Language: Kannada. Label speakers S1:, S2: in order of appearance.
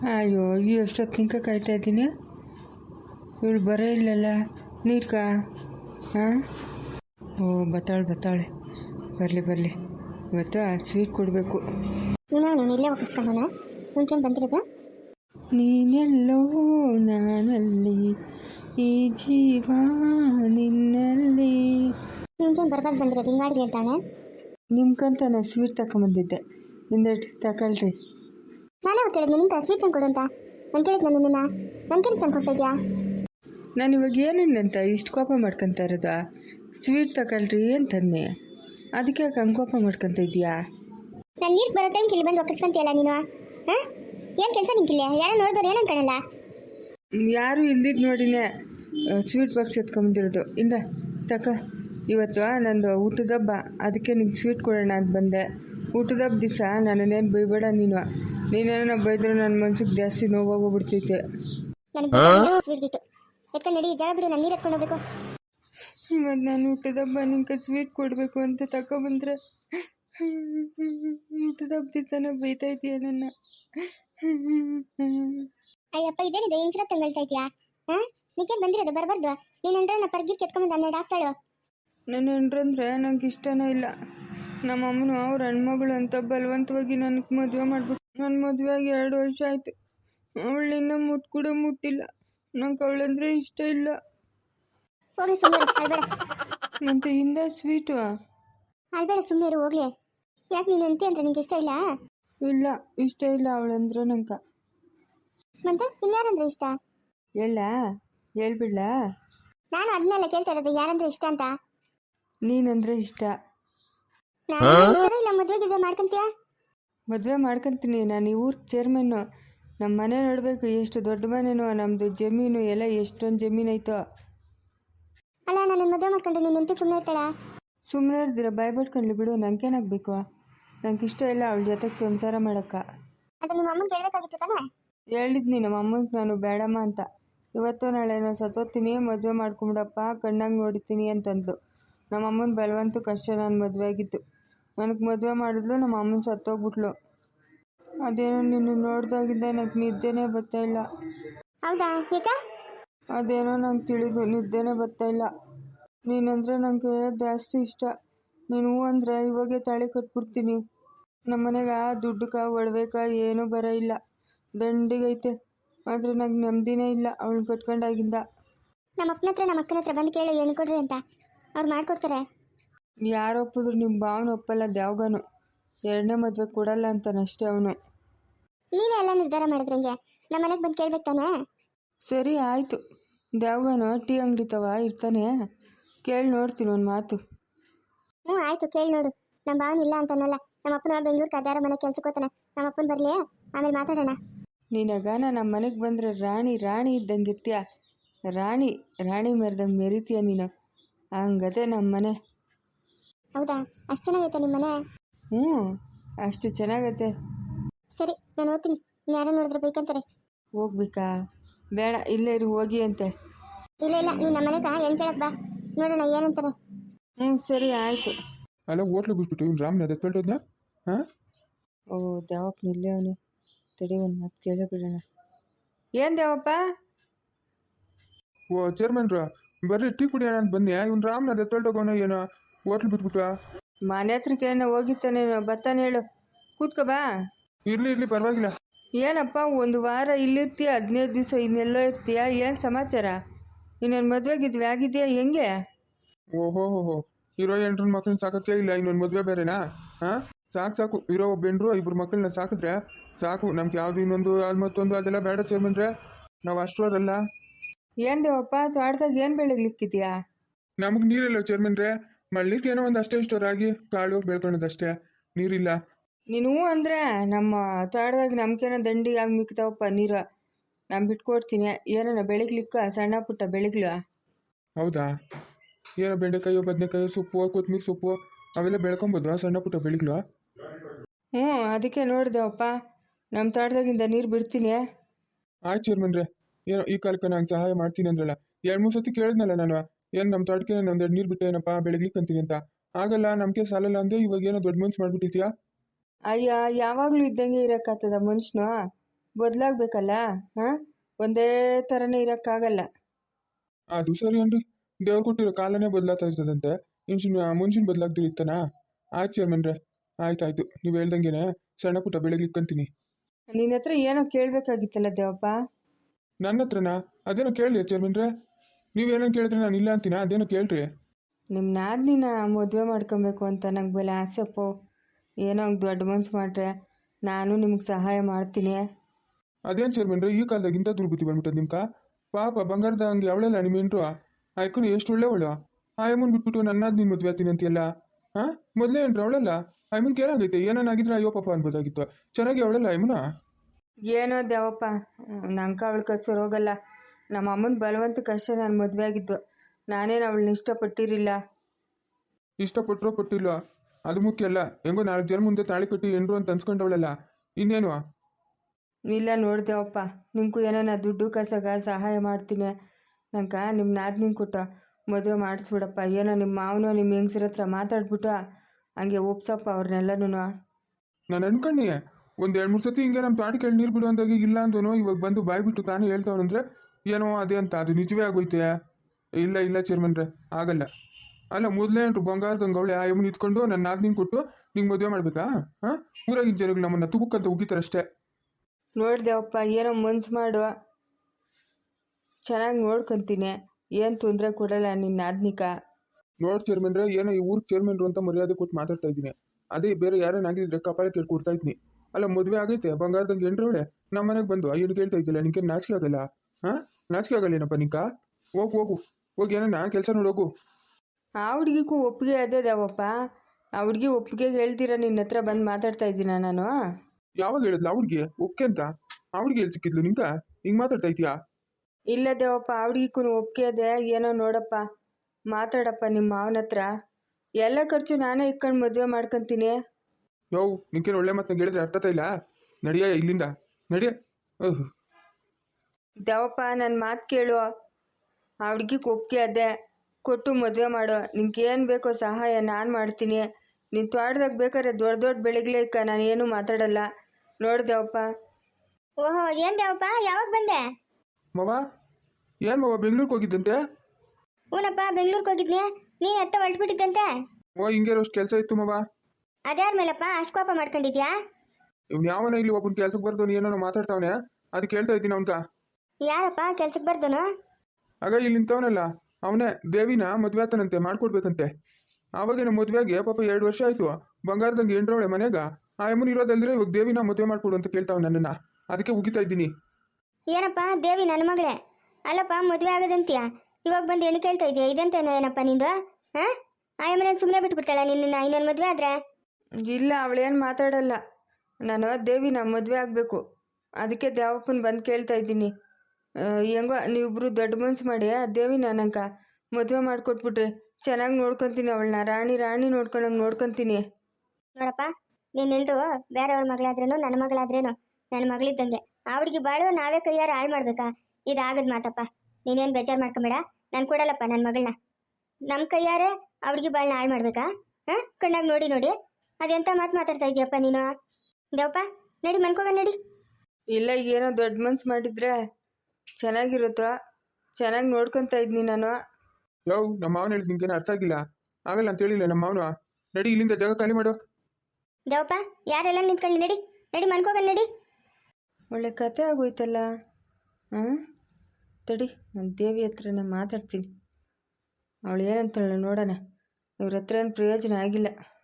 S1: ಅಯ್ಯೋ ಎಷ್ಟೊತ್ತು ನಿಂಕ ಕಾಯ್ತಾ ಇದ್ದೀನಿ. ಇವಳು ಬರೇ ಇಲ್ಲಲ್ಲ ನೀರ್ಕ. ಹಾಂ, ಓ ಬತ್ತಾಳೆ ಬರಲಿ ಇವತ್ತು ಆ ಸ್ವೀಟ್ ಕೊಡಬೇಕು.
S2: ಇಲ್ಲೇ ಒಪ್ಪಿಸ್ಕೊಂಡೋಣ ಮುಂಚೆ ಬಂದಿರೋದು.
S1: ನೀನೆಲ್ಲೋ ನಾನಲ್ಲಿ, ಈ ಜೀವ ನಿನ್ನಲ್ಲಿ.
S2: ಮುಂಚೆ ಬರ್ಬಾರ್ದು ಬಂದಿರೋದು ಹಿಂಗಾಡಿ ಹೇಳ್ತಾನೆ.
S1: ನಿಮ್ಗಂತ ನಾನು ಸ್ವೀಟ್ ತಗೊಂಬಂದಿದ್ದೆ, ಹಿಂದೆಟ್ಟು ತಗೊಳ್ರಿ.
S2: ನಾನೇ ಗೊತ್ತಿರೋದು ನಿಮ್ಗೆ ಸ್ವೀಟ್ ತಂದು ಕೊಡು ಅಂತ. ನಾನು ಕೇಳಿದ್ ನನ್ನ ಕೇಳಿ ತಂದು ಕೊಡ್ತಾ ಇದೆಯಾ?
S1: ನಾನು ಇವಾಗ ಏನೇನಂತ ಇಷ್ಟು ಕೋಪ ಮಾಡ್ಕೊತಾ ಇರೋದು? ಸ್ವೀಟ್ ತಗೊಳ್ರಿ ಅಂತಂದೆ, ಅದಕ್ಕೆ ಯಾಕೆ ಹಂಗೆ ಕೋಪ ಮಾಡ್ಕೊತ ಇದೆಯಾ?
S2: ನಾನು ನೀರು ಬರೋ ಟೈಮ್ ಇಲ್ಲಿ ಬಂದು ಒಪ್ಪಿಸ್ಕೊಂತೀಯಲ್ಲ ನೀನು. ಹಾಂ, ಏನು ಕೆಲಸ ನಿಂಕಿಲ್ಲ? ಯಾರೋ ನೋಡಿದವ್ರು ಏನು ಅನ್ಕೊಳ್ಳಲ್ಲ.
S1: ಯಾರು ಇಲ್ದಿದ್ದು ನೋಡಿನೇ ಸ್ವೀಟ್ ಬಾಕ್ಸ್ ಎತ್ಕೊಂಬಂದಿರೋದು. ಇಂದ ತಕ, ಇವತ್ತು ನಂದು ಊಟದ ಹಬ್ಬ, ಅದಕ್ಕೆ ನಿಂಗೆ ಸ್ವೀಟ್ ಕೊಡೋಣ ಅಂತ ಬಂದೆ. ಊಟದ ಹಬ್ಬ ದಿವಸ ನನ್ನನ್ನೇನು ಬೈಬೇಡ ನೀನೇನೋ ಬೈದ್ರೆ ನನ್ನ ಮನ್ಸಿಗೆ ಜಾಸ್ತಿ ನೋವಾಗೋಗ್ಬಿಡ್ತೈತೆ.
S2: ಸ್ವೀಟ್ ಗಿಟ್ಟು ಎತ್ಕೊಂಡು ನಡಿ, ಜಾಗ ಬಿಡು, ನಾನು ನೀರು ಎತ್ಕೊಂಡು ಹೋಗ್ಬೇಕು.
S1: ಮತ್ತು ನಾನು ಊಟದ ಹಬ್ಬ ನಿಂಗೆ ಸ್ವೀಟ್ ಕೊಡಬೇಕು ಅಂತ ತಗೊಬಂದ್ರೆ ಊಟದ ಹಬ್ಬ ದಿವಸನ ಬೈತಾ ಇದೆಯಾ ನನ್ನ?
S2: ಅಯ್ಯಪ್ಪ, ಇದೇನಿದೆ ಇನ್ಸಿರ ತಂಗಳ್ತಾ ಇದೆಯಾ? ಹಾಂ, ನಿಕ್ಕೆ ಬಂದಿರೋದು ಬರಬಾರ್ದು. ನೀನು ಅಂದ್ರೆ ನನ್ನ ಪರ್ಗಿರ್ ಕೆತ್ಕೊಂಬಂದು 12 ಆಗ್ತಾಳು.
S1: ನನ್ನ ಹೆಂಡ್ರಂದ್ರೆ ನಂಗೆ ಇಷ್ಟನೇ ಇಲ್ಲ. ನಮ್ಮ ಅಮ್ಮನು ಅವ್ರ ಹೆಣ್ಮಗಳು ಅಂತ ಬಲವಂತವಾಗಿ ನನಗೆ ಮದುವೆ ಮಾಡಿಬಿಟ್ಟು, ನನ್ನ ಮದುವೆ ಆಗಿ 2 ವರ್ಷ ಆಯಿತು. ಅವಳನ್ನ ಕೂಡ ಮುಟ್ಟಿಲ್ಲ. ನಂಗೆ ಅವಳಂದ್ರೆ ಇಷ್ಟ ಇಲ್ಲ.
S2: ಹೋಗ್ಲಿ ಸುಮ್ಮನೆ ಅಲ್ಬೇಡ.
S1: ಮತ್ತು ಹಿಂದೆ ಸ್ವೀಟು
S2: ಅಲ್ಬೇಡ, ಸುಮ್ಮನೆ ಹೋಗ್ಲಿ. ಯಾಕೆ ನೀನು ಅಂತೆ ಅಂದರೆ ನಿಂಗೆ ಇಷ್ಟ ಇಲ್ಲ?
S1: ಇಲ್ಲ, ಇಷ್ಟ ಇಲ್ಲ ಅವಳಂದ್ರೆ ನಂಗೆ.
S2: ಮತ್ತೆ ಇನ್ಯಾರಂದ್ರೆ ಇಷ್ಟ?
S1: ಹೇಳ್ಬಿಡ್ಲಾ?
S2: ನಾನು ಅದನ್ನೆಲ್ಲ ಕೇಳ್ತಾ ಇರೋದು, ಯಾರಂದ್ರೆ ಇಷ್ಟ ಅಂತ.
S1: ನೀನಂದ್ರೆ ಇಷ್ಟ.
S2: ನಾನು ಇಷ್ಟನೇ ಇಲ್ಲ. ಮದುವೆ ಮಾಡ್ಕೊಂತೀಯ?
S1: ಮದುವೆ ಮಾಡ್ಕೊತೀನಿ. ನಾನು ಈ ಊರು ಚೇರ್ಮನ್ನು. ನಮ್ಮ ಮನೆ ನೋಡಬೇಕು, ಎಷ್ಟು ದೊಡ್ಡ ಮನೆನೋ, ನಮ್ಮದು ಜಮೀನು ಎಲ್ಲ ಎಷ್ಟೊಂದು ಜಮೀನು ಐತೋ.
S2: ಅಲ್ಲ, ನಾನು ಮದುವೆ ಮಾಡ್ಕೊಂಡ್ರೆ ನೀನು ಎಂತ ಸುಮ್ಮನೆ ಇರ್ತಾಳ?
S1: ಸುಮ್ಮನೆ ಇರ್ದಿರ ಭಯಪಡ್ಕೊಂಡ್ಲಿ ಬಿಡು. ನಂಗೇನಾಗಬೇಕು? ನಂಗೆ ಇಷ್ಟ ಇಲ್ಲ ಅವಳ ಜೊತೆಗೆ ಸಂಸಾರ ಮಾಡೋಕ್ಕೆ.
S2: ಅದು ನಿಮ್ಮ ಅಮ್ಮನ ಕೇಳಬೇಕಾಗಿತ್ತು ತಾನೇ?
S1: ಹೇಳಿದ್ನಿ ನಮ್ಮ ಅಮ್ಮಂಗೆ ನಾನು ಬೇಡಮ್ಮ ಅಂತ. ಇವತ್ತು ನಾಳೆನೋ ಸತ್ತೋಗ್ತೀನಿ, ಮದುವೆ ಮಾಡ್ಕೊಂಬಿಡಪ್ಪ, ಕಣ್ಣಾಗಿ ನೋಡ್ತೀನಿ ಅಂತಂದ್ಲು. ನಮ್ಮ ಅಮ್ಮನ ಬಲವಂತಕ್ಕೆ ಅಷ್ಟೇ ನಾನು ಮದುವೆ ಆಗಿದ್ದು. ನನಗೆ ಮದುವೆ ಮಾಡಿದ್ಲು, ನಮ್ಮ ಅಮ್ಮನ ಸತ್ತೋಗ್ಬಿಟ್ಲು. ಅದೇನೋ ನಿನ್ನ ನೋಡ್ದಾಗಿದ್ದ ನನಗೆ ನಿದ್ದೆನೇ ಬರ್ತಾಯಿಲ್ಲ.
S2: ಹೌದಾ? ಈಗ
S1: ಅದೇನೋ ನಂಗೆ ತಿಳಿದು ನಿದ್ದೆನೇ ಬರ್ತಾಯಿಲ್ಲ. ನೀನಂದರೆ ನನಗೆ ಜಾಸ್ತಿ ಇಷ್ಟ. ನೀನು ಅಂದರೆ ಇವಾಗೆ ತಾಳಿ ಕಟ್ಬಿಡ್ತೀನಿ. ನಮ್ಮ ಮನೆಗೆ ದುಡ್ಡುಕ ಒಡವೆಕ ಏನೂ ಬರ ಇಲ್ಲ, ದಂಡಿಗೈತೆ. ಆದರೆ ನಂಗೆ ನೆಮ್ಮದಿನೇ ಇಲ್ಲ ಅವಳನ್ನ ಕಟ್ಕೊಂಡಾಗಿಂದ.
S2: ನಮ್ಮ ಅಕ್ಕನ ಹತ್ರ ಬಂದು ಕೇಳಿ ಏನು ಕೊಡ್ರಿ ಅಂತ, ಅವ್ರು ಮಾಡಿಕೊಡ್ತಾರೆ.
S1: ಯಾರು ಒಪ್ಪಿದ್ರು ನಿಮ್ಮ ಭಾವನ ಒಪ್ಪಲ್ಲ. ದ್ಯಾವ್ಗಾನು 2ನೇ ಮದುವೆ ಕೊಡಲ್ಲ ಅಂತಾನಷ್ಟೇ ಅವನು.
S2: ನೀನೇ ಎಲ್ಲ ನಿರ್ಧಾರ ಮಾಡಿದ್ರಂಗೆ ನಮ್ಮ ಮನೆಗೆ ಬಂದು ಕೇಳ್ಬೇಕು ತಾನೇ?
S1: ಸರಿ ಆಯಿತು. ದ್ಯಾವ್ಗಾನು ಟೀ ಅಂಗಡಿ ತವ ಇರ್ತಾನೆ, ಕೇಳಿ ನೋಡ್ತೀನಿ ಒಂದು ಮಾತು.
S2: ಆಯಿತು, ಕೇಳಿ ನೋಡು. ನಮ್ಮ ಭಾವನ ಇಲ್ಲ ಅಂತನಲ್ಲ. ನಮ್ಮ ಅಪ್ಪನ ಬೆಂಗಳೂರಿಗೆ ಅದಾರ ಮನೆ ಕೆಲ್ಸಕ್ಕೆ ಹೋಗ್ತಾನೆ. ನಮ್ಮ ಅಪ್ಪನ ಬರಲಿ, ಆಮೇಲೆ ಮಾತಾಡೋಣ.
S1: ನೀನಾಗ ನಮ್ಮ ಮನೆಗೆ ಬಂದರೆ ರಾಣಿ ಇದ್ದಂಗೆ ಇರ್ತೀಯ. ರಾಣಿ ಮೆರೆದಂಗೆ ಮೆರಿತೀಯ ನೀನು. ಹಂಗದೆ ನಮ್ಮ ಮನೆ.
S2: ಹೌದಾ? ಅಷ್ಟು ಚೆನ್ನಾಗೈತೆ ನಿಮ್ಮ ಮನೆ?
S1: ಅಷ್ಟು ಚೆನ್ನಾಗೈತೆ.
S2: ಸರಿ, ನಾನು ಓದ್ತೀನಿ. ಯಾರೋ ನೋಡಿದ್ರೆ ಬೇಕಂತಾರೆ.
S1: ಹೋಗ್ಬೇಕಾ? ಬೇಡ, ಇಲ್ಲೇ ಇರು, ಹೋಗಿ ಅಂತೆ.
S2: ಇಲ್ಲ, ನೀನು ನಮ್ಮ ಮನೆಗೆ ಏನು ಕೇಳಕ್ಕೆ ಬಾ, ನೋಡೋಣ ಏನಂತಾರೆ.
S1: ಸರಿ ಆಯಿತು.
S3: ಅಲ್ಲ, ಹೋಟ್ಲು ಬಿಟ್ಬಿಟ್ಟು ಇವ್ನು ರಾಮ್ನ ಎತ್ಕೊಳ್ತೋದ್ನ? ಹಾಂ,
S1: ಓ ದೇವಪ್ಪ ಇಲ್ಲೇ ಅವನು. ತಡಿ ಒಂದು ಮಾತು ಕೇಳೇ ಬಿಡೋಣ. ಏನು ದೇವಪ್ಪ?
S3: ಓ ಚೇರ್ಮನ್ರ, ಬರ್ರಿ ಟೀ ಕುಡಿಯೋಣ ಅಂತ ಬನ್ನಿ. ಇವ್ನು ರಾಮ್ನ ಎತ್ಕೊಳ್ತೋಗೋನೋ ಏನೋ ಹೋಟ್ಲು ಬಿಟ್ಬಿಟ್ಟು.
S1: ಮನೆ ಹತ್ರಕ್ಕೆ ಏನೋ ಹೋಗಿತ್ತಾನೇನೋ, ಬರ್ತಾನೆ ಹೇಳು. ಕೂತ್ಕೋ ಬಾ.
S3: ಇರ್ಲಿ ಪರವಾಗಿಲ್ಲ.
S1: ಏನಪ್ಪ, 1 ವಾರ ಇಲ್ಲಿರ್ತೀಯ, 15 ದಿವಸ ಇನ್ನೆಲ್ಲೋ ಇರ್ತೀಯ, ಏನು ಸಮಾಚಾರ? ಇನ್ನೊಂದು ಮದುವೆಗಿದ್ವಿ ಆಗಿದೆಯಾ ಹೆಂಗೆ?
S3: ಓಹೋ, ಇರೋ 8 ಮಕ್ಕಳನ್ನ ಸಾಕಕ್ಕೆ ಇಲ್ಲ, ಇನ್ನೊಂದು ಮದುವೆ ಬೇರೆನಾ? ಹಾಂ, ಸಾಕು. ಇರೋ 2 ಮಕ್ಕಳನ್ನ ಸಾಕಿದ್ರೆ ಸಾಕು. ನಮ್ಗೆ ಯಾವುದು ಇನ್ನೊಂದು ಮತ್ತೊಂದು ಅದೆಲ್ಲ ಬೇಡ ಚೇರ್ಮನ್ರೆ. ನಾವು ಅಷ್ಟರಲ್ಲ.
S1: ಏನು ದೇವಪ್ಪ, ತೋಟದಾಗ ಏನು ಬೆಳಗ್ಲಿಕ್ಕಿದ್ಯಾ?
S3: ನಮಗೆ ನೀರಿಲ್ಲ ಚೇರ್ಮನ್ರೆ. ಮಳ್ಳಿಗೆ ಏನೋ ಒಂದು ಅಷ್ಟೇ ಇಷ್ಟು ರಾಗಿ ಕಾಳು ಬೆಳ್ಕೊಳೋದಷ್ಟೇ, ನೀರಿಲ್ಲ.
S1: ನೀನು ಅಂದರೆ ನಮ್ಮ ತೋಟದಾಗ ನಮ್ಗೇನೋ ದಂಡಿಗೆ ಆಗಿ ಮಿಕ್ತಾವಪ್ಪ ನೀರು. ನಾನು ಬಿಟ್ಕೊಡ್ತೀನಿ. ಏನೋ ಬೆಳಗ್ಲಿಕ್ಕ ಸಣ್ಣ ಪುಟ್ಟ ಬೆಳಗ್ಲು.
S3: ಹೌದಾ? ಏನೋ ಬೆಂಡೆಕಾಯಿ, ಬದನೆಕಾಯಿ ಸೊಪ್ಪು, ಕೊತ್ತಂಬರಿ ಸೊಪ್ಪು ಅವೆಲ್ಲ ಬೆಳ್ಕೊಬೋದು ಸಣ್ಣ ಪುಟ್ಟ ಬೆಳಗ್ಲು.
S1: ಅದಕ್ಕೆ ನೋಡಿದೆವಪ್ಪ, ನಮ್ಮ ತೋಟದಾಗಿಂದ ನೀರು ಬಿಡ್ತೀನಿ.
S3: ಆಯ್ತು ಚೇರ್ಮನ್ರೆ, ಏನೋ ಈ ಕಾಲಕ್ಕೆ ನಾನು ಸಹಾಯ ಮಾಡ್ತೀನಿ ಅಂದ್ರಲ್ಲ. 2-3 ಸತಿ ಕೇಳಿದ್ನಲ್ಲ ನಾನು, ಏನು ನಮ್ಮ ತೋಟಕ್ಕೆ ನಾನು 1-2 ನೀರು ಬಿಟ್ಟೇನಪ್ಪ ಬೆಳಗ್ಲಿಕ್ಕೆ ಅಂತೀನಿ ಅಂತ. ಆಗಲ್ಲ, ನಮಗೆ ಸಾಲಲ್ಲ ಅಂದೆ. ಇವಾಗ ಏನೋ ದೊಡ್ಡ ಮನ್ಸು ಮಾಡ್ಬಿಟ್ಟಿದ್ಯಾ?
S1: ಅಯ್ಯ, ಯಾವಾಗಲೂ ಇದ್ದಂಗೆ ಇರೋಕ್ಕಾಗ್ತದ ಮನುಷ್ಯನು? ಬದಲಾಗಬೇಕಲ್ಲ. ಹಾಂ, ಒಂದೇ ಥರನೇ ಇರೋಕ್ಕಾಗಲ್ಲ.
S3: ಅದು ಸರಿ ಅನ್ರಿ, ದೇವ್ರು ಕೊಟ್ಟಿರೋ ಕಾಲನೇ ಬದಲಾಗ್ತಾ ಇರ್ತದಂತೆ. ಮುಂಚಿನ ಬದಲಾಗ್ದಿರ್ತಾನ. ಆಯ್ತು ಚೇರ್ಮನ್ರೆ, ಆಯ್ತಾಯ್ತು. ನೀವು ಹೇಳ್ದಂಗೆನೆ ಸಣ್ಣ ಪುಟ್ಟ ಬೆಳೆಗೆ ಇಕ್ಕಂತೀನಿ.
S1: ನಿನ್ನ ಹತ್ರ ಏನೋ ಕೇಳಬೇಕಾಗಿತ್ತಲ್ಲ ದೇವಪ್ಪ.
S3: ನನ್ನ ಹತ್ರನಾ? ಅದೇನೋ ಕೇಳಿ ಚೇರ್ಮನ್ರೆ. ನೀವೇನೋ ಕೇಳಿದ್ರೆ ನಾನು ಇಲ್ಲ ಅಂತೀನ? ಅದೇನೋ ಕೇಳ್ರಿ.
S1: ನಿಮ್ಮ ನಾದಿನ ಮದುವೆ ಮಾಡ್ಕೊಬೇಕು ಅಂತ ನಂಗೆ ಬೆಲೆ ಆಸೆಪ್ಪು. ಏನೋ ಹಂಗೆ ದೊಡ್ಡ ಮನ್ಸು ಮಾಡ್ರೆ ನಾನು ನಿಮಗೆ ಸಹಾಯ ಮಾಡ್ತೀನಿ.
S3: ಅದೇನು ಚೇರ್ಮನ್ರೆ, ಈ ಕಾಲದಾಗಿಂತ ದುರ್ಬುದ್ಧಿ ಬಂದ್ಬಿಟ್ಟದ ನಿಮ್ಕ? ಪಾಪ ಬಂಗಾರದ ಹಂಗೆ ಅವಳೆಲ್ಲ ನಿಮ್ಮ ಹೆಂಡ್ರು. ಆಯ್ಕೊಂಡು ಎಷ್ಟು ಒಳ್ಳೆವಳು. ಆಯಮ್ಮನ್ ಬಿಟ್ಬಿಟ್ಟು ನನ್ನಾದ್ ನಿನ್ನ ಮದುವೆ ಆಗ್ತೀನಿ ಅಂತೀಯಲ್ಲ. ಹಾಂ, ಮೊದಲೇ ಹೆಂಡ್ರು ಅವಳಲ್ಲ. ಆಯಮ್ಮನ್ಗೆ ಏನಾಗೈತೆ? ಏನಾಗಿದ್ರೆ ಅಯ್ಯೋ ಪಾಪ ಅನ್ಬೋದಾಗಿತ್ತು. ಚೆನ್ನಾಗಿ ಅವಳಲ್ಲ ಆಯಮ್ಮನ.
S1: ಏನೋ ದೇವಪ್ಪ, ನಂಗೆ ಅವಳು ಕಸರು ಹೋಗಲ್ಲ. ನಮ್ಮ ಅಮ್ಮನ ಬಲವಂತಕ್ಕಷ್ಟೇ ನಾನು ಮದುವೆ ಆಗಿದ್ದು. ನಾನೇನು ಅವಳನ್ನ ಇಷ್ಟಪಟ್ಟಿರಲಿಲ್ಲ.
S3: ಇಷ್ಟಪಟ್ಟರೋ ಪಟ್ಟಿಲ್ಲ ಅದು ಮುಖ್ಯ ಅಲ್ಲ. ಹೆಂಗೋ 4 ಜನ ಮುಂದೆ ತಾಳಿ ಕಟ್ಟಿ ಹೆಂಡ್ರು ಅಂತ ಅನ್ಸ್ಕೊಂಡವಳಲ್ಲ, ಇನ್ನೇನು?
S1: ಇಲ್ಲ ನೋಡ್ದೇವಪ್ಪ, ನಿಂಗೂ ಏನೋ ನಾ ದುಡ್ಡು ಕಸಾಗ ಸಹಾಯ ಮಾಡ್ತೀನಿ. ನಂಗೆ ನಿಮ್ಮ ನಾದಿನಿಗೆ ಕೊಟ್ಟು ಮದುವೆ ಮಾಡಿಸ್ಬಿಡಪ್ಪ. ಏನೋ ನಿಮ್ಮ ಮಾವನು ನಿಮ್ಮ ಹೆಂಗಸ್ರ ಹತ್ರ ಮಾತಾಡ್ಬಿಟ್ಟು ಹಂಗೆ ಒಪ್ಸಪ್ಪ ಅವ್ರನ್ನೆಲ್ಲನೂ.
S3: ನಾನು ಅನ್ಕಣ್ಣಿ ಒಂದು 2-3 ಸತಿ ಹಿಂಗೆ ನಮ್ಮ ತೋಟಕ್ಕೆ ನೀರು ಬಿಡು ಅಂದಾಗ ಇಲ್ಲ ಅಂದನು. ಇವಾಗ ಬಂದು ಬಾಯ್ ಬಿಟ್ಟು ತಾನೇ ಹೇಳ್ತಾವನಂದ್ರೆ ಏನೋ ಅದೇ ಅಂತ. ಅದು ನಿಜವೇ ಆಗೋಯ್ತೆ? ಇಲ್ಲ ಇಲ್ಲ ಚೇರ್ಮನ್ರೆ, ಆಗಲ್ಲ. ಅಲ್ಲ, ಮೊದಲೇ ಏನ್ರು ಬಂಗಾರದಂಗೆ ಅವಳೆ ಆಯಮ್ಮನ ಇತ್ಕೊಂಡು ನನ್ನ ನಾದಿನಿಗೆ ಕೊಟ್ಟು ನಿಂಗೆ ಮದುವೆ ಮಾಡ್ಬೇಕಾ? ಹಾಂ, ಊರಾಗಿನ ಜನಗಳು ನಮ್ಮನ್ನು ತುಬುಕ್ಕಂತ ಉಗಿತಾರಷ್ಟೇ.
S1: ನೋಡ್ದೇವಪ್ಪ, ಏನೋ ಮನ್ಸು ಮಾಡು, ಚೆನ್ನಾಗಿ ನೋಡ್ಕೊತೀನಿ. ಏನು ತೊಂದರೆ ಕೊಡಲ್ಲ ನಿನ್ನ ನಾದ್ನಿಕ.
S3: ನೋಡಿ ಚೇರ್ಮನ್ರೆ, ಏನೋ ಈ ಊರಿಗೆ ಚೇರ್ಮನ್ರು ಅಂತ ಮರ್ಯಾದೆ ಕೊಟ್ಟು ಮಾತಾಡ್ತಾ ಇದ್ದೀನಿ. ಅದೇ ಬೇರೆ ಯಾರೇನಾಗಿದ್ರೆ ಕಪಾಳ ಕೇಳಿ ಕೊಡ್ತಾ ಇದ್ದೀನಿ. ಅಲ್ಲ, ಮದುವೆ ಆಗೈತೆ, ಬಂಗಾರದಂಗೆ ಹೆಂಡ್ರವಳೆ ನಮ್ಮ ಮನೆಗೆ ಬಂದು ಅಯ್ಯನ್ ಕೇಳ್ತಾ ಇದ್ದಿಲ್ಲ. ನಿಂಗೆ ನಾಚಿಕೆ ಆಗಲ್ಲ? ಹಾಂ, ನಾಚಿಕೆ ಆಗಲ್ಲೇನಪ್ಪ ನಿಂಕ? ಹೋಗು ಹೋಗಿ ಏನನ್ನ ಕೆಲಸ ನೋಡೋಗು.
S1: ಆ ಹುಡುಗಿಗೂ ಒಪ್ಪಿಗೆ ಅದೇ ದೇವಪ್ಪ. ಆ ಹುಡುಗಿ ಒಪ್ಪಿಗೆ ಹೇಳ್ತೀರ ನಿನ್ನ ಹತ್ರ ಬಂದು ಮಾತಾಡ್ತಾ ಇದ್ದೀನ ನಾನು.
S3: ಯಾವಾಗ ಹೇಳಿದ್ಲ ಆ ಹುಡುಗಿ ಒಪ್ಕೆ ಅಂತ? ಆ ಹುಡುಗಿ ಎಲ್ಲಿ ಸಿಕ್ಕಿದ್ಲು ನಿಂಕ? ಹಿಂಗೆ ಮಾತಾಡ್ತಾ ಇದೀಯಾ?
S1: ಇಲ್ಲ ದೇವಪ್ಪ, ಆ ಹುಡುಗಿಗೂ ಒಪ್ಪಿಗೆ ಅದೇ. ಏನೋ ನೋಡಪ್ಪ, ಮಾತಾಡಪ್ಪ ನಿಮ್ಮ ಮಾವನ ಹತ್ರ. ಎಲ್ಲ ಖರ್ಚು ನಾನೇ ಇಕ್ಕೊಂಡು ಮದುವೆ ಮಾಡ್ಕೊತೀನಿ.
S3: ನಿಂಕೇನು ಒಳ್ಳೆ ಮಾತನ್ನ ಹೇಳಿದ್ರೆ ಅರ್ಥತಾ ಇಲ್ಲ? ನಡಿಯ ಇಲ್ಲಿಂದ, ನಡಿಯ.
S1: ದೇವಪ್ಪ, ನನ್ನ ಮಾತು ಕೇಳು. ಆ ಹುಡುಗಿಗೆ ಒಪ್ಪಿಗೆ ಅದೇ, ಕೊಟ್ಟು ಮದುವೆ ಮಾಡು. ನಿಂಗೆ ಏನು ಬೇಕೋ ಸಹಾಯ ನಾನು ಮಾಡ್ತೀನಿ. ನೀನು ತೋಟದಾಗ ಬೇಕಾದ್ರೆ ದೊಡ್ಡ ದೊಡ್ಡ ಬೆಳೆಗಳೇ ಇಕ್ಕ, ನಾನು ಏನೂ ಮಾತಾಡಲ್ಲ. ನೋಡ್ದೇವಪ್ಪ.
S2: ಓಹೋ, ಏನ್ ದೇವಪ್ಪ, ಯಾವಾಗ ಬಂದೆ?
S3: ಮವ, ಏನು ಮವ ಬೆಂಗ್ಳೂರಿಗೆ ಹೋಗಿದ್ದಂತೆ?
S2: ಹೂನಪ್ಪ, ಬೆಂಗ್ಳೂರ್ಗೆ ಹೋಗಿದ್ನಿ. ನೀನು ಎತ್ತ ಹೊರಟ್ಬಿಟ್ಟಿದ್ದಂತೆ.
S3: ಹಿಂಗೆ ಅಷ್ಟು ಕೆಲಸ ಇತ್ತು ಮವ.
S2: ಅದ್ಯಾರ ಮೇಲಪ್ಪ ಅಷ್ಟು ಕೋಪ ಮಾಡ್ಕೊಂಡಿದ್ಯಾ?
S3: ಇವ್ನು ಯಾವನ ಇಲ್ಲಿ ಒಬ್ಬನ ಕೆಲ್ಸಕ್ಕೆ ಬರ್ದವನು ಏನೋ ಮಾತಾಡ್ತಾವನೆ, ಅದಕ್ಕೆ ಹೇಳ್ತಾ ಇದ್ದೀನಿ ಅವನ್ಕ.
S2: ಯಾರಪ್ಪ ಕೆಲ್ಸಕ್ಕೆ ಬರ್ದನು?
S3: ಆಗ ಇಲ್ಲಿ ನಿಂತವನಲ್ಲ ಅವನೇ, ದೇವಿನ ಮದುವೆ ಆತನಂತೆ, ಮಾಡ್ಕೊಡ್ಬೇಕಂತೆ. ಆವಾಗೇನು ಮದುವೆಗೆ ಪಾಪ 2 ವರ್ಷ ಆಯ್ತು. ಬಂಗಾರದಂಗೆ ಹೆಂಡ್ರವಳೆ ಮನೆಗ. ಆ ಅಮ್ಮನ ಇರೋದಲ್ದ್ರೆ ಇವಾಗ ದೇವಿನ ಮದುವೆ ಮಾಡ್ಕೊಡು ಅಂತ ಕೇಳ್ತಾವ ನನ್ನನ್ನು. ಅದಕ್ಕೆ ಉಗಿತಾ ಇದ್ದೀನಿ.
S2: ಏನಪ್ಪ ದೇವಿ ನನ್ನ ಮಗಳೇ? ಅಲ್ಲಪ್ಪ, ಮದುವೆ ಆಗದಂತೀಯ, ಇವಾಗ ಬಂದು ಹೆಣ್ಣು ಕೇಳ್ತಾ ಇದೆಯಾ? ಇದಂತ ಏನಪ್ಪ ನಿಂದು? ಹಾಂ, ಆಯಮ್ಮನ ಸುಮ್ಮನೆ ಬಿಟ್ಬಿಡ್ತಾಳ ನಿನ್ನ ಇನ್ನೊಂದು ಮದುವೆ ಆದ್ರೆ?
S1: ಇಲ್ಲ, ಅವಳೇನು ಮಾತಾಡಲ್ಲ. ನಾನು ದೇವಿನ ಮದುವೆ ಆಗಬೇಕು, ಅದಕ್ಕೆ ದೇವಪ್ಪನ ಬಂದು ಕೇಳ್ತಾ ಇದ್ದೀನಿ. ಹೆಂಗೋ ನೀವಿಬ್ರು ದೊಡ್ಡ ಮನ್ಸು ಮಾಡಿ ದೇವಿನ ನಂಗೆ ಮದುವೆ ಮಾಡಿಕೊಟ್ಬಿಟ್ರಿ ಚೆನ್ನಾಗಿ ನೋಡ್ಕೊತೀನಿ. ಅವಳನ್ನ ರಾಣಿ ನೋಡ್ಕೊಂಡಂಗೆ ನೋಡ್ಕೊತೀನಿ.
S2: ನೋಡಪ್ಪ, ನೀನು ನೆಂಟರು ಬೇರೆಯವ್ರ ಮಗಳಾದ್ರೇನು ನನ್ನ ಮಗಳಾದ್ರೇನು ನನ್ನ ಮಗಳಿದ್ದಂಗೆ. ಆ ಹುಡುಗಿ ಬಾಳು ನಾವೇ ಕೈಯಾರ ಹಾಳು ಮಾಡ್ಬೇಕಾ? ಇದಾಗದ ಮಾತಪ್ಪ. ನೀನೇನು ಬೇಜಾರು ಮಾಡ್ಕೊಂಬೇಡ, ನಾನು ಕೊಡಲ್ಲಪ್ಪ ನನ್ನ ಮಗಳನ್ನ. ನಮ್ಮ ಕೈಯಾರೆ ಆ ಹುಡುಗಿ ಬಾಳನ್ನ ಹಾಳು ಮಾಡ್ಬೇಕಾ? ಹಾಂ, ಕಣ್ಣಾಗ ನೋಡಿ ಅದೆಂಥ ಮಾತು ಮಾತಾಡ್ತಾ ಇದೀಯಪ್ಪ ನೀನು? ದೇವಪ್ಪ, ನಡಿ ಮನ್ಕೋಗ ನಡಿ.
S1: ಇಲ್ಲ, ಏನೋ ದೊಡ್ಡ ಮನ್ಸು ಮಾಡಿದ್ರೆ ಚೆನ್ನಾಗಿರುತ್ತೋ. ಚೆನ್ನಾಗಿ ನೋಡ್ಕೊತಾ ಇದ್ನಿ ನಾನು.
S3: ನಮ್ಮ ಮಾವನ ಹೇಳಿದ್ ನಿಂಗೇನು ಅರ್ಥ ಆಗಿಲ್ಲ? ಆಗಲ್ಲ ಅಂತ ಹೇಳಿಲ್ಲ ನಮ್ಮ ಮಾವನ. ನಡಿ, ಇಲ್ಲಿಂದ ಜಾಗ ಖಾಲಿ ಮಾಡು.
S2: ದೇವಪ್ಪ, ಯಾರೆಲ್ಲ ನಿಂತ್ಕೊಳ್ಳಿ, ನಡಿ ಮನ್ಕೋಗ ನಡಿ.
S1: ಒಳ್ಳೆ ಕತೆ ಆಗೋಯ್ತಲ್ಲ. ಹಾಂ, ತಡಿ, ನಾನು ದೇವಿ ಹತ್ರನೇ ಮಾತಾಡ್ತೀನಿ. ಅವಳು ಏನಂತಾಳೆ ನೋಡೋಣ. ಇವ್ರ ಹತ್ರ ಏನು ಪ್ರಯೋಜನ ಆಗಿಲ್ಲ.